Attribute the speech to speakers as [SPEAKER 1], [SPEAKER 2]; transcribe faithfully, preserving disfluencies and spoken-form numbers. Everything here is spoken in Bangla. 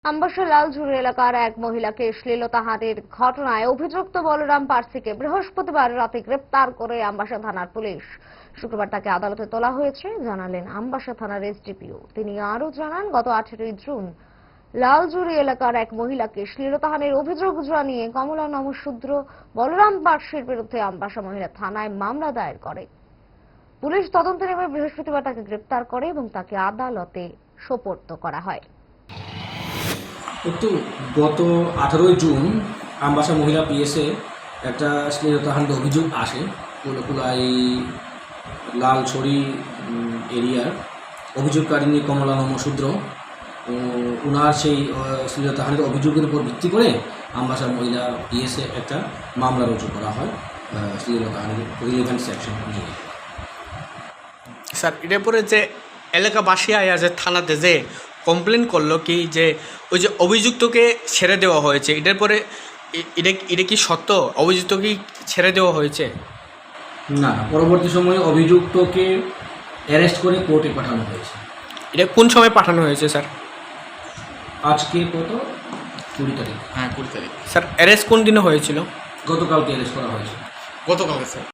[SPEAKER 1] আমবাসা লালঝুরি এলাকার এক মহিলাকে শ্লীলতাহানির ঘটনায় অভিযুক্ত বলরাম পার্সিকে বৃহস্পতিবার রাতে গ্রেপ্তার করে আমবাসা থানার পুলিশ। শুক্রবার তাকে আদালতে তোলা হয়েছে জানালেন আমবাসা থানার এসডিপিও। তিনি আরও জানান, গত আঠেরোই জুন লালঝুরি এলাকার এক মহিলাকে শ্লীলতাহানির অভিযোগ জানিয়ে কমলা নমশূদ্র বলরাম পার্সির বিরুদ্ধে আমবাসা মহিলা থানায় মামলা দায়ের করে। পুলিশ তদন্তে নেমে বৃহস্পতিবার তাকে গ্রেপ্তার করে এবং তাকে আদালতে সোপর্দ করা হয়।
[SPEAKER 2] একটু গত আঠারোই জুন আমবাসা মহিলা পিএসএ একটা শ্লীলতাহানির অভিযোগ আসে কুলকুলাই লালছড়ি এরিয়ার অভিযোগকারিণী কমলা নমশূদ্র। ওনার সেই শ্লীলতাহানির অভিযোগের উপর ভিত্তি করে আমবাসা মহিলা পিএসএ একটা মামলা রুজু করা হয় শ্লীলতাহানির রিলেভেন্ট সেকশন অনুযায়ী।
[SPEAKER 3] স্যার, এটার পরে যে এলাকাবাসী আয়া যে থানাতে যে কমপ্লেন করলো কি যে ওই যে অভিযুক্তকে ছেড়ে দেওয়া হয়েছে, এটার পরে এটা এটা কি সত্য? অভিযুক্তকে ছেড়ে দেওয়া হয়েছে?
[SPEAKER 2] না, পরবর্তী সময়ে অভিযুক্তকে অ্যারেস্ট করে কোর্টে পাঠানো হয়েছে।
[SPEAKER 3] এটা কোন সময় পাঠানো হয়েছে স্যার?
[SPEAKER 2] আজকে কত কুড়ি তারিখ।
[SPEAKER 3] হ্যাঁ, কুড়ি তারিখ। স্যার, অ্যারেস্ট কোন দিনে হয়েছিল?
[SPEAKER 2] গতকালকে অ্যারেস্ট করা হয়েছে।
[SPEAKER 3] গতকালকে স্যার।